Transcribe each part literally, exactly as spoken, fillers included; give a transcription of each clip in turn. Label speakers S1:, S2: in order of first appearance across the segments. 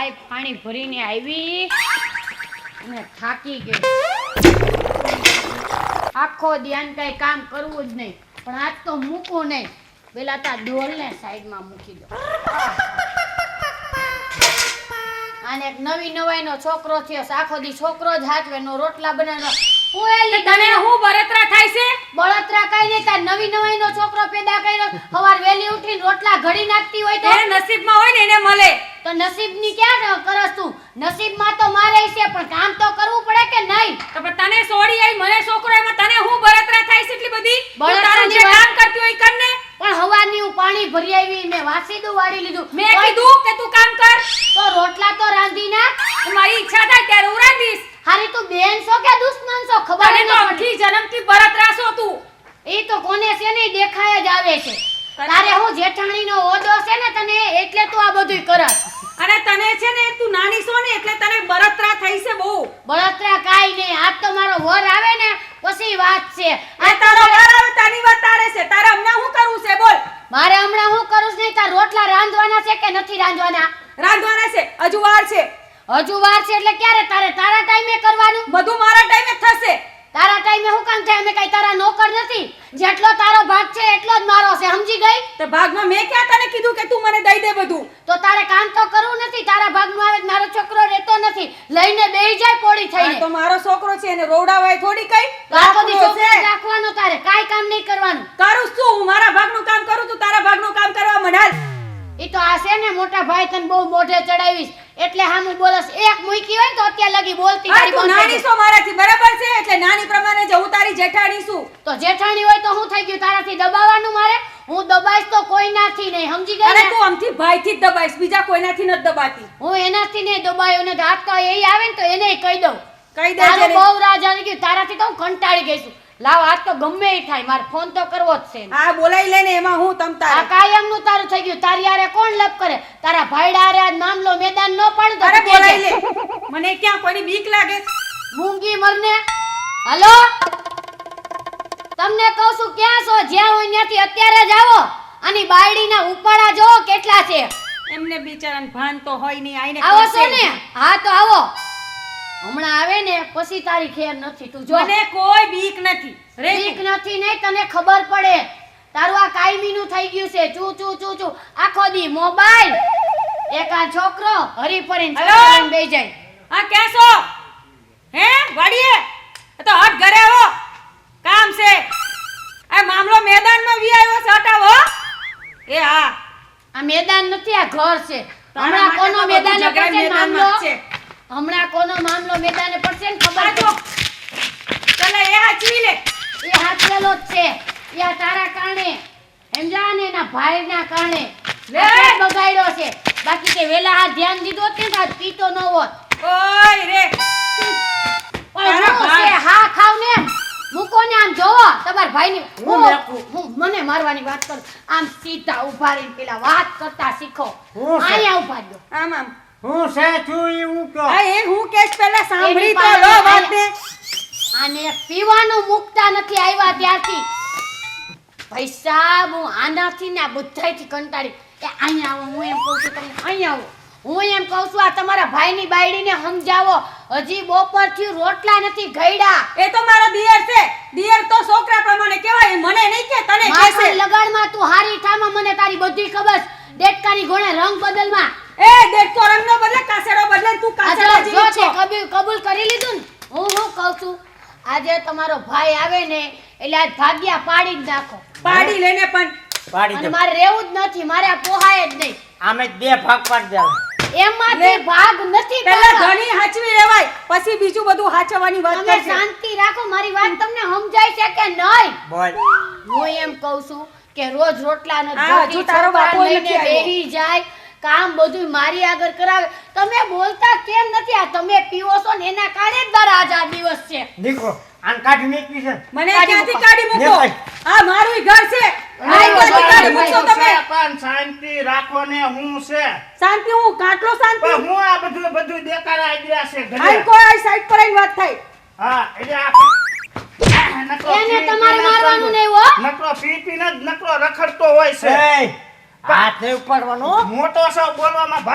S1: ચાય પાણી ભરીને આવી અને થાકી ગઈ. આખો ધ્યાન કઈ કામ કરવું જ નહીં, પણ આજ તો મૂકું નહીં. પેલા તા ડોલને સાઈડમાં મૂકી દો. આને એક નવી નવાઈનો છોકરો થયો, આખો દી છોકરો જ હાથવેનો રોટલા બનાવવાનો. હું એલી
S2: તને હું બળતરા થાય છે?
S1: બળતરા કઈ નહીં, તાર નવી નવાઈનો છોકરો પેદા કર્યો. સવાર વેલી ઉઠીને રોટલા ઘડી નાખતી હોય તો
S2: એ નસીબમાં હોય ને એને મળે.
S1: તો નસીબની ક્યાં કરસ તું? નસીબમાં તો મારે છે, પણ કામ તો કરવું પડે કે નહીં?
S2: તો પણ તને સોડી આવી, મને છોકરો એમાં તને હું બળતરા થાય છે એટલી બધી?
S1: બળતરાની
S2: તારું જે
S1: વાત-
S2: કામ કરતી હોય ઈ કર ને.
S1: પણ હવારની હું પાણી ભરી આવી, મેં વાસીદું વાળી લીધું.
S2: મેં
S1: તોય
S2: કીધું કે તું કામ કર.
S1: તો રોટલા તો રાંધી નાખ.
S2: મારી ઈચ્છા થાય ત્યારે હું રાંધીશ.
S1: હારી તું બેન છો કે દુશ્મન છો ખબર
S2: તને
S1: ન
S2: તો
S1: પડી.
S2: અખી જન્મથી બળતરા છો તું.
S1: એ તો કોને છે ને ઈ દેખાય જ આવે છે. તારે હું જેઠાણીનો ઓદો છે ને તને, એટલે તું આ બધુંય કરસ.
S2: અને તને છે ને તું નાની છો ને એટલે તને બળતરા થઈ છે બહુ.
S1: બળતરા કાઈ નહીં, આજ તો મારો વર આવે ને પછી વાત છે.
S2: આ તારો વાર આવે તારી વાત તારે છે, તારે હમણાં શું કરવું છે બોલ?
S1: મારે હમણાં હું કરું છું નહીં, તાર રોટલા રાંધવાના છે કે નથી રાંધવાના?
S2: રાંધવાના છે, હજુ વાર છે.
S1: હજુ વાર છે એટલે ક્યારે? તારે તારા ટાઈમે કરવાનું.
S2: બધું મારા ટાઈમે થશે.
S1: તારા ટાઈમે હું કામ થાય? અમે કઈ તારા નોકર નથી. જેટલો તારો ભાગ છે એટલો જ મારો છે, સમજી ગઈ?
S2: તે ભાગમાં મેં ક્યાં તને કીધું કે તું મને દઈ દે બધું?
S1: તો તારે કામ તો કરવું નથી. તારા ભાગનું આવે તો મારો છોકરો રહેતો નથી, લઈને બેહી જાય પોડી
S2: આ
S1: થઈને.
S2: તો મારો છોકરો છે એને રોવડાવાય થોડી કઈ.
S1: તો આખો દી
S2: રાખવો
S1: છોકરો
S2: છે.
S1: રાખવાનો, તારે કાઈ કામ નહીં કરવાનું.
S2: કરું છું હું, મારા ભાગનું કામ કરું, તું તારા ભાગનું કામ કરવા મંડાલ.
S1: ઈ તો આ છે ને મોટા ભાઈ તને બહુ મોઢે ચડાવીશ એટલે હામું બોલસ. એક મૂકી હોય ને તો અત્યાર લગી બોલતી
S2: હા,
S1: તારી
S2: તું
S1: બંધ થઈ
S2: નાની
S1: ગઈ.
S2: છો મારાથી, બરાબર છે? એટલે નાની પ્રમાણે જ હું તારી જેઠાણી છું.
S1: તો જેઠાણી હોય તો હું થઈ ગયું તારાથી દબાવવાનું? મારે હું દબાઈશ તો કોઈ નાથી નહીં, સમજી ગઈ
S2: અને
S1: ને?
S2: તું આમથી ભાઈથી જ દબાઈશ, બીજા કોઈનાથી નથી દબાતી.
S1: હું એનાથી નહીં દબાયો ને હાથ તો એ આવે ને તો એને કહી દઉં.
S2: કહી દે
S1: તારું
S2: જેને.
S1: બહુ રાજ આવી ગયું, તારાથી તો હું કંટાળી ગઈ છું. લાવ આજ તો ગમે ઈ થાય, મારે ફોન તો કરવો જ છે.
S2: હા, બોલાઈ લે ને, એમાં હું તમ
S1: આ
S2: તારે.
S1: કાયમનું તારું થઈ ગયું. તારી હારે કોણ લપ કરે? તારા ભાઈડા હારે આ મામલો મેદાન ન પાડું તો
S2: અરે
S1: તું
S2: બોલાઈ
S1: કહેજે.
S2: લે. મને ક્યાં કોઈની બીક લાગે?
S1: મૂંગી મરને. હાલો, તમને કહું છું ક્યાં છો? જ્યાં હોય ત્યાંથી અત્યારે જ આવો. આની બાયડીના ઉપાડા જો કેટલા છે.
S2: એમને બિચારાને ભાન તો હોય નહીં, આઈને
S1: આવો
S2: કરશે
S1: છો ને?
S2: જ.
S1: હા તો આવો. હમણાં આવે ને પછી તારી ખેર નથી. તું જો
S2: મને કોઈ બીક નથી. રે
S1: બીક નથી નહીં, તને ખબર પડે. તારું આ કાયમીનું થઈ ગયું છે. ચૂ ચૂ ચૂ ચૂ આખો દી મોબાઈલ. એક આ છોકરો હરી ફરીને
S2: હલો?
S1: છોકરાને બેહી જાય.
S2: હા, ક્યાં છો? હે વાડીએ? આ તો હટ ઘરે આવો, કામ છે. આ મામલો મેદાનમાં વી આવ્યો છે, હટાવો. એ હા,
S1: આ મેદાન નથી, આ ઘર છે.
S2: તારા
S1: હમણાં
S2: માટે
S1: કોનો
S2: તો બધું
S1: મેદાને
S2: ઝઘડા
S1: પડશે
S2: મેદાનમાં
S1: મામલો?
S2: જ છે.
S1: હમણાં કોનો મામલો મેદાને પડશે ને ખબર
S2: આ જો.
S1: પડશે.
S2: ચાલ એ હાચવી લે.
S1: એ હાથેલો જ છે. એ આ તારા કારણે સમજા ને, એના ભાઈના કારણે
S2: લે.
S1: આ બગાડ્યો છે. બાકી કે વેલા આ ધ્યાન દીધો હોત ને તો આજ પીતો ન હોત.
S2: ઓય રે.
S1: પણ
S2: તારા
S1: હું
S2: ભાઈ.
S1: છે, હા ખાવ ને એમ. મૂકો ને આમ જોવો તમાર ભાઈની.
S3: હું
S1: હું
S3: મેકું.
S1: હું મને મારવાની વાત કરું. આમ સીધા ઊભા રહીને પેલા વાત કરતા શીખો.
S3: હું છે?
S1: અહીંયા ઊભા રહ્યો.
S2: આમ આમ.
S3: હું છે તું એવું કહો.
S2: આ એ હું કેસ પહેલા સાંભળી
S1: એની
S2: તો
S1: પાસે
S2: લો
S1: આયા.
S2: વાતને.
S1: આને પીવાનું મુકતા નથી આવ્યા ત્યારથી. ભાઈ સાહેબ, હું આનાથી ને આ બધાયથી કંટાળી. એ અહીંયા આવો, હું એમ કહું છું તમને, અહીંયા આવો. હું એમ કહું છું આ તમારા ભાઈની બાયડીને સમજાવો. હજી બપોરથી રોટલા નથી ઘયડા.
S2: એ તો મારો દિયર છે. દિયર તો છોકરા પ્રમાણે કહેવાય, મને નહીં કે તને
S1: માથા
S2: કહેશે.
S1: લગાડમાં તું હારી થામાં, મને તારી બધી ખબર છે. દેડકાની ઘોડે રંગ બદલમાં.
S2: એ દેખતો રંગનો બદલે કાસેડો બદલે, તું
S1: આ જો
S2: કાસેડા
S1: જો
S2: જેવી
S1: તે
S2: છો.
S1: કબૂલ કબૂલ કરી લીધું ને. હું હું કહું છું, આજે તમારો ભાઈ આવે ને એટલે આજ ભાગ્યા પાડી જ નાખો.
S2: પાડી લેને પણ
S3: પાડી
S1: અને
S3: દે.
S1: મારે રહેવું જ નથી, મારે આ પોહાય જ નહીં.
S3: આમે જ બે ભાગ પાડી દેવા.
S1: એમાંથી ભાગ નથી
S2: પહેલા
S1: પાડવા.
S2: ધણી હાચવી લેવાય, પછી બીજું બધું હાચવવાની વાત
S1: તમે
S2: કરશે.
S1: શાંતિ રાખો. મારી વાત તમને સમજાય છે કે નહીં?
S3: બોલ.
S1: હું એમ કહું છું કે રોજ રોટલા ન
S2: હા,
S1: જોતી
S2: હજુ તારો
S1: છોકરા
S2: બાપો
S1: લઈને
S2: નથી આવ્યો.
S1: બેહી જાય, કામ બધું મારી આગળ કરાવે. તમે બોલતા કેમ નથી? આ તમે પીવો છો ને એના કારણે જ મારા આજ આ દિવસ છે.
S3: દીકરો આન કાઢી મેકવી છે.
S2: મને
S1: કાઢી
S2: ક્યાંથી
S1: મૂકો.
S2: કાઢી મૂકો?
S3: લે
S2: આ મારું ઘર છે. આ
S1: ભાઈ,
S2: ક્યાંથી
S1: ભાઈ,
S2: કાઢી
S1: ભાઈ,
S2: મૂકશો તમે?
S4: પણ શાંતિ રાખો ને. હું છે
S2: શાંતિ, હું કાટલો શાંતિ.
S4: પણ હું આ બધું બધું દેખાડા આઈડિયા છે ઘરે.
S2: આઈ કોઈ આ સાઈડ પર આવીને વાત થાય.
S4: હા, એટલે આ નકરો
S1: એને
S4: પી
S1: તમારે
S4: પીને
S1: મારવાનું
S4: જ
S1: નહીં હો.
S4: નકરો પી પીને જ નકરો રખડતો હોય છે.
S3: એ હાથ નહીં ઉપાડવાનો.
S4: મોટો સૌ બોલવામાં ભાન રાખ થોડું.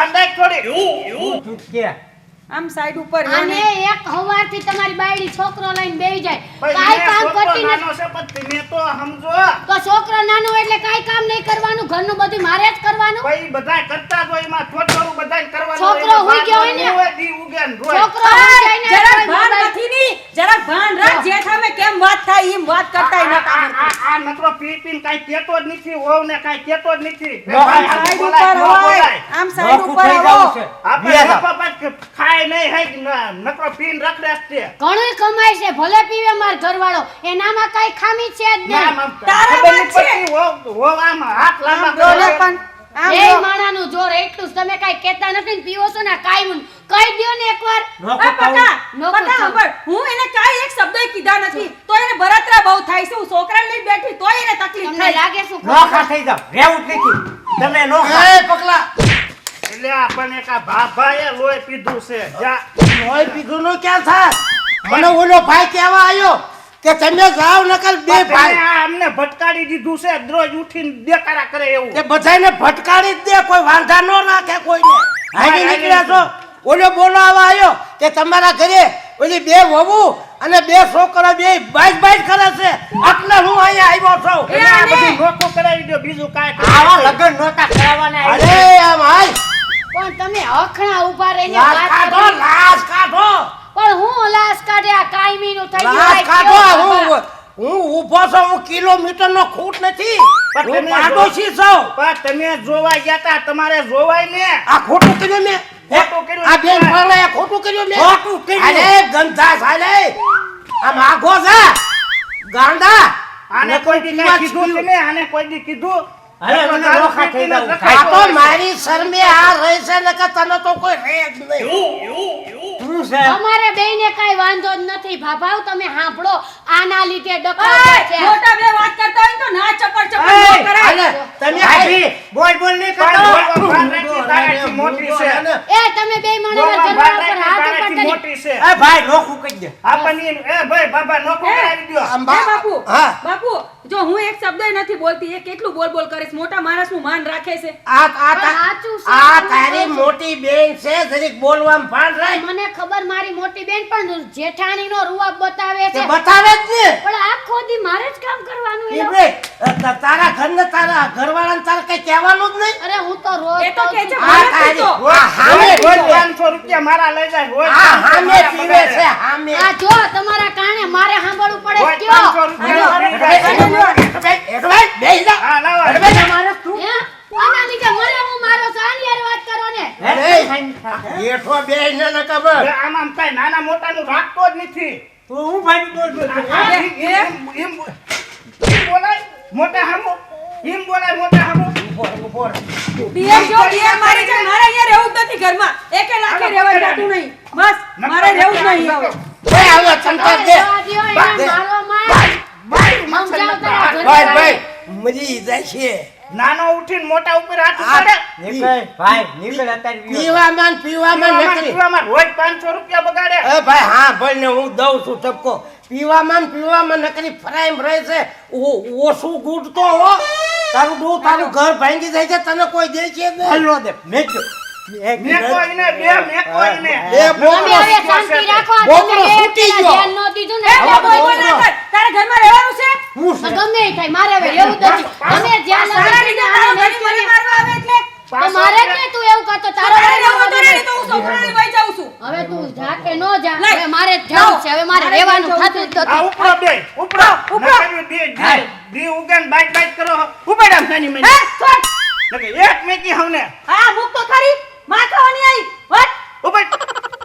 S4: થોડી
S3: હું ચૂપકે.
S2: આમ સાઈડ ઉપર રહ્યો
S1: અને
S2: ને.
S1: એક હવારથી તમારી બાયડી છોકરો લઈને બેહી જાય
S4: ભાઈ,
S1: કાઈ
S4: મેં
S1: કામ
S4: છોકરો
S1: કરતી નથી
S4: નાનો છે પણ તમે તો સમજો
S1: તો છોકરો નાનો એટલે કાઈ કામ નહીં કરવાનું ઘરનું બધું મારે જ કરવાનું
S4: ભાઈ બધાય કરતા જ હોય એમાં થોડું થોડું બધાય કરવાનું
S1: છોકરો
S4: એમાં
S1: હુઈ ગયો હોય ને?
S4: બાપ હોય, દી ઉગે ને રોય.
S1: છોકરો
S2: ઓય,
S1: હોય ને
S2: જરાક
S1: તોય
S2: ભાન
S1: મોબાઈલ-
S2: નથી ની જરાક ભાન રાખ જે સામે કેમ વાત થાય એમ વાત કરતા
S4: આ-
S2: નતા
S4: આ- આ- આ નકરો પી પીને કાંઈ કહેતો જ નથી વહુ ને કાંઈ કહેતો જ નથી એ
S3: નો,
S4: ભાઈ હાથે
S2: સાઈડ
S4: બોલાય,
S2: ઉપર
S4: ન
S2: હોય
S4: બોલાય.
S2: આમ સાઈડ
S3: નોખું
S2: ઉપર
S3: થઈ
S2: આવો
S3: જવું છે.
S4: આપણે
S3: બે જાવ.
S4: નફા પાછ ખાય નહીં હે જ ન- નકરો પીને રખડે જ છે.
S1: ઘણુંય કમાય છે ભલે પીવે માર ઘરવાળો એનામાં કાઈ ખામી છે જ
S4: ના,
S1: નહીં
S4: આમ
S2: તારા
S4: ખબર
S2: વાત
S4: નહીં
S2: છે.
S4: પડતી, વહુ- વહુ આમ હાથ લાંબા
S2: આમ ડોલે
S4: કરે.
S2: પણ આમ
S1: એ
S2: જો.
S1: માણાનું જોર એટલું જ તમે કાઈ કહેતા નથી ને પીવો છો ને કાઈ કહી દ્યો ને એકવાર
S3: નોખું
S2: આ
S3: કહું.
S2: પકા
S1: નોખું
S2: પકા
S1: કહું.
S2: સાંભળ, હું એને કાંઈ એક શબ્દય કીધા નથી તો એને બળતરા બહુ થાય છે હું છોકરાને લઈને બેઠી તોય એને તકલીફ
S1: તમને
S2: થાય
S1: લાગે શું
S3: નોખા થઈ જાવ. રહેવું જ નથી. તમે નોખા.
S5: એ પગલા
S4: એટલે આપણને એક આ ભાભાએ લોહી પીધું છે જા.
S5: લોહી પીધું નું ક્યાં થાય મને ઓલો ભાઈ કહેવા આવ્યો કે તમે જાવ નકર બે
S4: પણ તમે
S5: ભાઈ
S4: આ અમને ભટકાડી દીધું છે રોજ ઉઠીને દેકારા કરે એવું
S5: તે બધાને ભટકાડી જ દે કોઈ વાંધા ન રાખે કોઈને હાજી નીકળ્યા છો ઓલો બોલાવા આવ્યો કે તમારા ઘરે ઓલી બે વહુ અને બે છોકરા બે બાઈક બાઈક કરે છે એટલે હું અહીંયા આવ્યો છું
S4: એટલે આ બધું નોખું કરાવી દો બીજું કાંઈ
S3: આવા
S4: કરાવી દો.
S3: લગ્ન નહોતા કરાવવાના.
S5: અરે આમ હાલ
S1: પણ તમે હખણા ઉભા રહીને
S5: લાશ
S1: વાત
S5: કાઢો
S1: કરી
S5: લાશ કાઢો
S1: પણ હું લાશ કાઢે આ કાયમીનું થઈ ગયું
S5: લાશ
S1: કાંઈ
S5: કાઢો
S1: કયો
S5: હું
S1: બાબા.
S5: હું ઊભો છું હું કિલોમીટર નો ખૂટ નથી
S4: પણ
S5: હું
S4: તમે
S5: પાડોશી છું
S4: પણ તમે જોવા ગયા તા તમારે જોવાય ને
S5: આ ખોટું કર્યું મેં
S4: ખોટું કર્યું
S5: આ બેન
S4: નથી.
S5: પરણે ખોટું કર્યું મેં
S3: ખોટું કર્યું.
S5: અરે ગંધા સાલે આ માગો છે ગાંડા
S4: આને કોઈ દી કાંઈ કીધું તમે આને કોઈ દી કીધું
S3: હવે મને
S4: દારૂ
S3: નોખા થઈ
S4: પીને
S3: જવું.
S5: આ
S4: રખડતો
S5: તો
S4: હોય છે.
S5: મારી શરમે આ રહે છે ને કે તને તો કોઈ રહે જ નહીં
S3: શું છે?
S1: અમારે બેયને કાંઈ વાંધો જ નથી ભાભાવ તમે સાંભળો આના લીધે
S2: ઓય,
S1: ડખા છે
S2: મોટા બે વાત કરતા હોય ને તો ના ચપડ ચપડ
S3: ઓય,
S2: ન કરાય
S5: હાલે, તમે
S3: ભાભી, બોલ બોલ નહીં
S4: પણ
S3: કરતો.
S4: બોલવા ભાન રાખી તારાથી મોટી છે
S1: એ તમે બેય માણસ
S4: બોલવા
S1: ઘરવાળા
S4: ભાન
S1: પર
S4: રાખી
S1: હાથ ઉપર
S4: તારાથી
S1: કરી
S4: મોટી છે
S3: એ ભાઈ નોખું કહી દે.
S4: આપણને એમ, એ ભાઈ બાબા નોખું
S2: એ,
S4: કરાવી દ્યો.
S5: આમ
S2: હે
S5: બા-
S2: બાપુ
S5: હા
S2: બાપુ જો હું એક શબ્દ નથી બોલતી એ કેટલું બોલ બોલ કરે છે મોટા માણસનું માન રાખે છે
S5: આ આ
S1: પણ સાચું છે,
S5: આ
S1: તમે
S5: તારી
S1: કહો છો.
S5: મોટી બેન છે જરીક બોલવામાં ભાન રાખ
S1: મને ખબર મારી મોટી બેન પણ જેઠાણીનો રૂઆબ બતાવે
S5: તે
S1: છે
S5: બતાવે જ ને
S1: પણ આખો દી મારે જ કામ કરવાનું
S5: ઈ
S1: એનો.
S5: બે, ત- તારા ઘરને તારા ઘરવાળાને તારે કઈ કહેવાનું જ નહીં
S1: અરે હું તો રોજ
S2: એ તો
S1: કહું
S2: કે છે
S1: છું.
S5: આ
S2: મને
S5: તારી
S2: પૂછો.
S5: આ હામે
S4: રોજ રોજ
S5: પીવે.
S4: પાંચસો રૂપિયા મારા લઈ જાય રોજ
S5: આ
S4: પાંચસો
S5: હામે
S4: મારા
S5: પીવે
S4: પગારે.
S5: છે હામે
S1: આ જો તમારા કારણે મારે સાંભળવું પડે
S4: રોજ
S1: કયો
S4: પાંચસો રૂપિયા
S2: હાલો,
S4: લઈ જાય.
S5: એટો ભાઈ, એટો ભાઈ, બેહી જા.
S4: હા, લાવો.
S5: એટો ભાઈ, તમારે શું?
S1: હે? આના લીધે મને હું મારો સાની હારે વાત કરો ને
S3: હે?
S5: એઠો બેહી ને ન ખબર.
S4: હવે આમ આમ કાંઈ નાના મોટાનું રાખતો જ નથી
S3: તું હું ભાઈ બોલ બોલ બોલ.
S4: આ એમ- એમ- એમ- એમ બોલાય મોટા હામો એમ બોલાય મોટા હામો
S2: પિયર જો પિયર મારી છે મારે અહીંયા રહેવું જ નથી ઘરમાં એકે લાખે રહેવા જાતું નહીં બસ મારે રહેવું જ નહીં હવે
S5: ભાઈ, આવ્યો ચમચા દે.
S1: જવા દ્યો, એને મારો માર. સમજાવ તારા ઘરે
S5: ભાઈ, ભાઈ, મરી જાય છે.
S4: નાનો ઉઠીને મોટા ઉપર હાથ
S5: આ
S4: ઉપાડે
S3: નીકળ ભાઈ નીકળ અત્યારે વિયો.
S5: પીવામાં ને પીવામાં
S4: પીવામાં
S5: નકરી.
S4: પીવામાં રોજ પાંચસો રૂપિયા બગાડે
S5: એ ભાઈ હા ભાઈ ને હું દઉં છું ટપકો પીવામાં ને પીવામાં નકરી ફરાઈમ રહે છે ઓ- ઓછું ગુડતો હો તારું ડો તારું ઘર ભાંગી જાય છે તને કોઈ દે છે જ નહીં.
S3: હલવો દે મેજો. એક
S4: મેકો એને બે મેકો એને
S5: એ
S1: તમે
S5: બોકરો
S1: હવે શાંતિ રાખો આ
S5: બોકરો
S1: તમે એક
S5: છૂટી
S1: પેલા
S5: ગયો.
S1: ધ્યાન ન દીધું
S2: એ
S1: ને
S2: બોલ બોલ બોલ ના કર તારે ઘરમાં રહેવાનું છે
S3: હું
S1: તો
S3: છે?
S1: ગમે ઈ થાય મારે હવે એવું જ નથી તમે જ્યાં
S2: તારા
S1: લગાડી
S2: લીધે
S1: આને
S2: તારો
S1: નહીં
S2: ઘરે મને
S1: કરી.
S2: મારવા આવે એટલે
S1: તો મારે જ નહીં તું એવું કરતો તારો
S2: તારે
S1: રહેવું
S2: રહેવું તો
S1: નથી.
S2: નહીં તો હું છોકરાને લઈ જાઉં છું
S1: હવે તું જા કે ન જા
S2: લઈ.
S1: હવે મારે જ જવું છે હવે મારે
S2: મારે
S1: રહેવાનું
S2: જવું
S1: થતું જ
S2: છે.
S4: આ
S1: નથી
S4: ઉપરો બે ઉપરો
S2: ઉપરો.
S4: નકરી દી દી દી ઉગાન બાઈક બાઈક કરો ઉપાડ આમ નાની
S2: હે
S4: મેની
S2: છોડ
S4: નકે એક મેકી હવને
S2: હા મુક તો ખરી માં ખાવાની આવી વાત
S4: ઉપાડ